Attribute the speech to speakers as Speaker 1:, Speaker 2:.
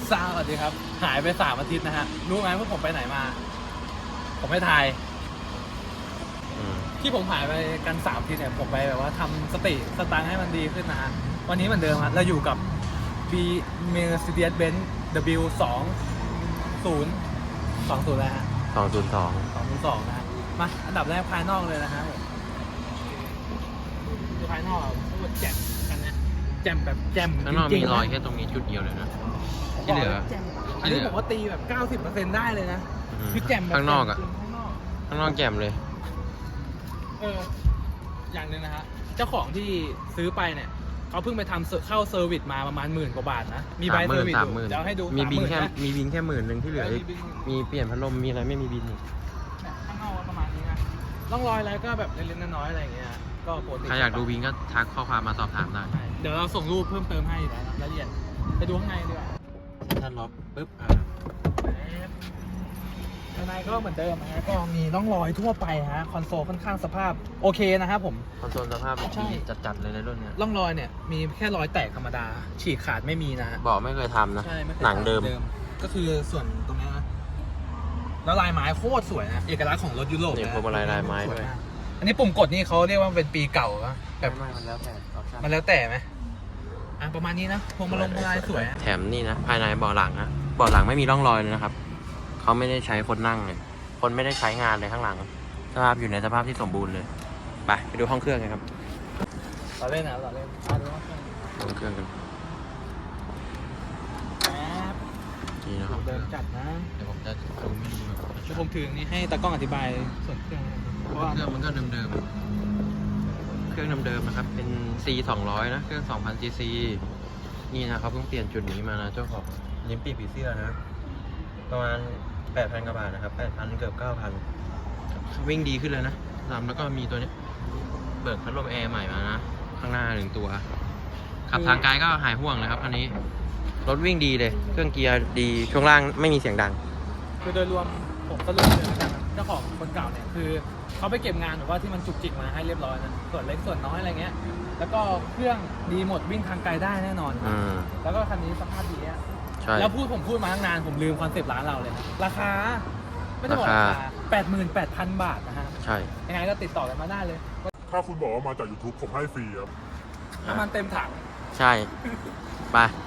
Speaker 1: สวัสดีครับหายไป3 อาทิตย์นะฮะรู้ไหมว่าผมไปไหนมาผมไม่ทายที่ผมหายไปกัน3 อาทิตย์เนี่ยผมไปแบบว่าทำสติสตางค์ให้มันดีขึ้นนะฮะวันนี้เหมือนเดิมครับเราอยู่กับ B Mercedes-Benz W20 แล้วฮะ202นะฮะมาอันดับแรกภายนอกเลยนะฮะดูภายนอกพูดแจ่มกันนะแจ่มแบบแจ่ม
Speaker 2: ข้างนอก
Speaker 1: จริ
Speaker 2: มี
Speaker 1: งๆ
Speaker 2: รอยแค่ตรงนี้จุดเดียวเลยนะที่เหลือ
Speaker 1: อันนี้ผมว่าตีแบบ 90% ได้เลยนะคือแจ่มแบบ
Speaker 2: ข้างนอกอะ
Speaker 1: ข้างนอก
Speaker 2: ข้างนอกแจ่มเลย
Speaker 1: อย่างหนึ่งนะฮะเจ้าของที่ซื้อไปเนี่ยเขาเพิ่งไปทำเข้าเซอร์วิสมาประมาณ10,000 กว่าบาทนะมีใบเซอร์วิสอยู่เดี๋ยวให้ดู
Speaker 2: มีบินแค่
Speaker 1: 30,000นะ
Speaker 2: มีบินแค่10,000ที่เหลืออีกมีเปลี่ยนพัดลมมีอะไรไม่มีบินอีก
Speaker 1: ข้างนอกประมาณนี้นะร่องรอยอะไรก็แบบเล็กๆน้อยๆอะไรอย่างเงี้ยก็ปกติ
Speaker 2: ใครอยากดูบินก็ทักข้อความมาสอบถามได้
Speaker 1: เดี๋ยวเราส่งรูปเพิ่มเติมให้นะรายละเอียดไปดูข้างในดีกว่า
Speaker 2: ถ้าล็อกปุ๊บ
Speaker 1: ข้างในก็เหมือนเดิมนะก็มีร่องรอยทั่วไปฮะคอนโซลค่อนข้างสภาพโอเคนะครับผม
Speaker 2: คอนโซลสภาพ
Speaker 1: ใช่
Speaker 2: ดีจัดๆเลยในรุ่นเนี้ย
Speaker 1: ร่องรอยเนี่ยมีแค่รอยแตกธรรมดาฉีกขาดไม่มีนะฮะ
Speaker 2: บอกไม่เคยทำนะ
Speaker 1: ใช่ไม่คย
Speaker 2: หนังเดิม
Speaker 1: ก็คือส่วนตรงนี้นะแล้วลายไม้โคตรสวยนะเอกลักษณ์ของรถยุโรป
Speaker 2: เนี่ย
Speaker 1: นะ
Speaker 2: พวงมาลัยลายไม้
Speaker 1: ส
Speaker 2: ด้วย
Speaker 1: มากอันนี้ปุ่มกดนี่เขาเรียกว่าเป็นปีเก่าอะแบบ
Speaker 2: ไม่มันแล้วแต่ออปชั่น
Speaker 1: มันแล้วแต่ไหมประมาณนี้นะพวงมาลัยสวยอะ
Speaker 2: แถมนี่นะภายในเบาะหลังนะเบาะหลังไม่มีร่องรอยเลยนะครับเขาไม่ได้ใช้คนนั่งเลยคนไม่ได้ใช้งานเลยข้างหลังสภาพอยู่ในสภาพที่สมบูรณ์เลยไปดูห้องเครื่องกันครับ
Speaker 1: เราเล่นนะเราเล่นดูว่า
Speaker 2: ห้องเครื่องกัน
Speaker 1: แป๊บ
Speaker 2: นี่นะครับ
Speaker 1: เดินจัดนะ
Speaker 2: เดี๋ยวผมจะดูไม่ดีแบบ
Speaker 1: เดี๋ยวผมถือนี้ให้ตากล้องอธิบายส่วนเครื่องนะครับเพราะว่า
Speaker 2: เครื่องมันก็เดิมๆเครื่องเดิมๆนะครับเป็น C 200นะเครื่อง 2,000 cc นี่นะเขาเพิ่งเปลี่ยนจุดนี้มานะเจ้าของลิ้นปีกผีเสื้อนะประมาณ 8,000 กว่าบาทนะครับ 8,000 เกือบ 9,000 วิ่งดีขึ้นเลยนะแล้วก็มีตัวนี้เบิกพัดลมแอร์ใหม่มานะข้างหน้า1 ตัวขับทางไกลก็หายห่วงเลยครับอันนี้รถวิ่งดีเลยเครื่องเกียร์ดีช่วงล่างไม่มีเสียงดัง
Speaker 1: คือโดยรวมผมสรุปเลยแล้วกันนะเจ้าของคนเก่าเนี่ยคือเขาไปเก็บงานหรือว่าที่มันจุกจิกมาให้เรียบร้อยนะส่วนเล็กส่วนน้อยอะไรเงี้ยแล้วก็เครื่องดีหมดวิ่งทางไกลได้แน่นอน แล้วก็คันนี้สภาพดีอะ
Speaker 2: ใช่
Speaker 1: แล้วผมพูดมาตั้งนานผมลืมคอนเซปต์ร้านเราเลยนะราคาไม่ต้องบอกราคา 88,000 บาทนะฮะ
Speaker 2: ใช่
Speaker 1: ยังไงก็ติดต่อกันมาได้เลย
Speaker 3: ถ้าคุณบอกว่ามาจาก YouTube ผมให้ฟรีครับ
Speaker 1: น้ำมันเต็มถัง
Speaker 2: ใช่ ไป